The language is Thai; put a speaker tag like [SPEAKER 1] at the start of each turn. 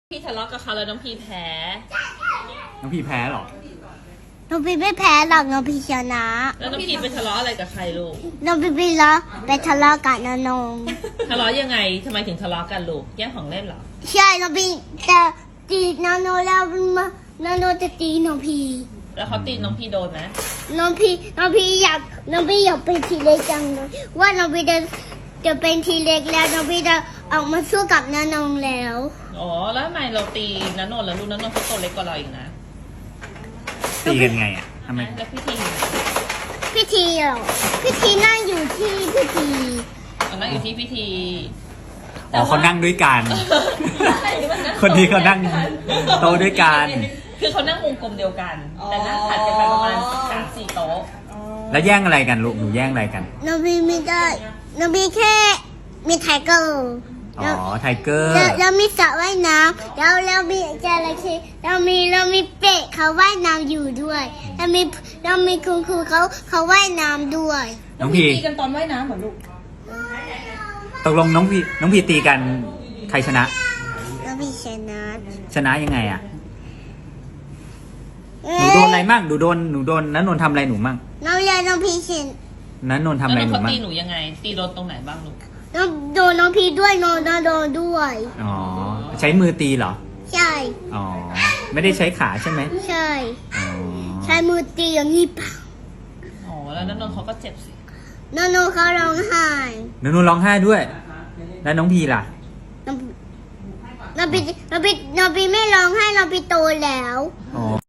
[SPEAKER 1] พี่ทะเลาะกับเขาแล้วน้องพีแพ้
[SPEAKER 2] น้องพี่แพ้เหรอ
[SPEAKER 3] น้องพี่ไม่แพ้หรอกน้องพี่ชนะ
[SPEAKER 1] แล้วน้องพีไปทะเลาะอะไรกับใครลูก
[SPEAKER 3] น้องพี่ไปทะเลาะกับน้านง
[SPEAKER 1] ทะเลาะยังไงทำไมถึงทะเลาะกันลูกแย่งของเล่นเหรอ
[SPEAKER 3] ใช่น้องพี่จะตีนาโนแล้วนาโนจะตีน้องพี่
[SPEAKER 1] แล้วเขาตีน้องพีโดนไหม
[SPEAKER 3] น้องพี่อยากเป็นทีเล็กจังเลยว่าน้องพี่จะเป็นทีเล็กแล้วน้องพี่จะออกมาสู้กับนานงแล้ว
[SPEAKER 1] อ๋อแล้วทำไมเราตีนันนนท์แล้วลูกนันนนท์เขาโตเล็กกว่าเราอีกนะ
[SPEAKER 2] ตีกันไงอ่ะทำไม
[SPEAKER 1] แล้วพี่ทีอยู่ไหน
[SPEAKER 3] พิธีเหรอพิธีนั่งอยู่ที่พิธี
[SPEAKER 1] เขานั่งอยู่ที่พิธี
[SPEAKER 2] อ๋อเขานั่งด้วยกัน คนนี้เขานั่งโต๊ะด้วยกัน
[SPEAKER 1] คือเขานั่งวงกลมเดียวกัน แต่นั่งถัดกันไปประมาณ3-4 โต๊ะ
[SPEAKER 2] แล้วแย่งอะไรกันลูกหนูแย่งอะไรกัน
[SPEAKER 3] น้องพี่ไม่ได้น้องพี่แค่มีไทเกอร์
[SPEAKER 2] อ๋อไทเกอร์
[SPEAKER 3] แล้วมีสระว่ายน้ำแล้วมีจระเข้เรามีเป็ดเขาว่ายน้ำอยู่ด้วยแล้วมีคุณครูเขาว่ายน้ำด้วย
[SPEAKER 2] น้องพี
[SPEAKER 4] ตีกันตอนว่ายน้ำเหรอลูก
[SPEAKER 2] ตกลงน้องพีตีกันใครชนะ
[SPEAKER 3] แล้วพี่ชนะ
[SPEAKER 2] ชนะยังไงอ่ะหนูโดนอะไรมั่งหนูโดนนันนนท์ทำอะไรหนูมั่ง
[SPEAKER 3] น้องยายน้องพี่ชนะ
[SPEAKER 2] นันนนท์ทำ
[SPEAKER 1] แล้ว
[SPEAKER 2] อะไร
[SPEAKER 1] น้อง
[SPEAKER 2] หนู
[SPEAKER 1] เขา
[SPEAKER 2] มั่ง
[SPEAKER 1] ตีหนูยังไง ตีโดนตรงไหนบ้างลูก
[SPEAKER 3] น้องโดนน้องพี่ด้วยน้องโดนด้วย
[SPEAKER 2] อ๋อใช้มือตีเหรอ
[SPEAKER 3] ใช่
[SPEAKER 2] อ๋อไม่ได้ใช้ขาใช่ไหม
[SPEAKER 3] ใช่
[SPEAKER 2] อ๋อ
[SPEAKER 3] ใช้มือตีอย่างนี้เปล่า
[SPEAKER 1] อ๋อแล้วนันนนท์เขาก็เจ็บสิ
[SPEAKER 3] น้องเขาร้องไห้
[SPEAKER 2] นันนนท์ร้องไห้ด้วย แล้วน้องพีล่ะ
[SPEAKER 3] น้องพี่ไม่ร้องไห้น้องพี่โตแล้ว
[SPEAKER 2] อ๋อ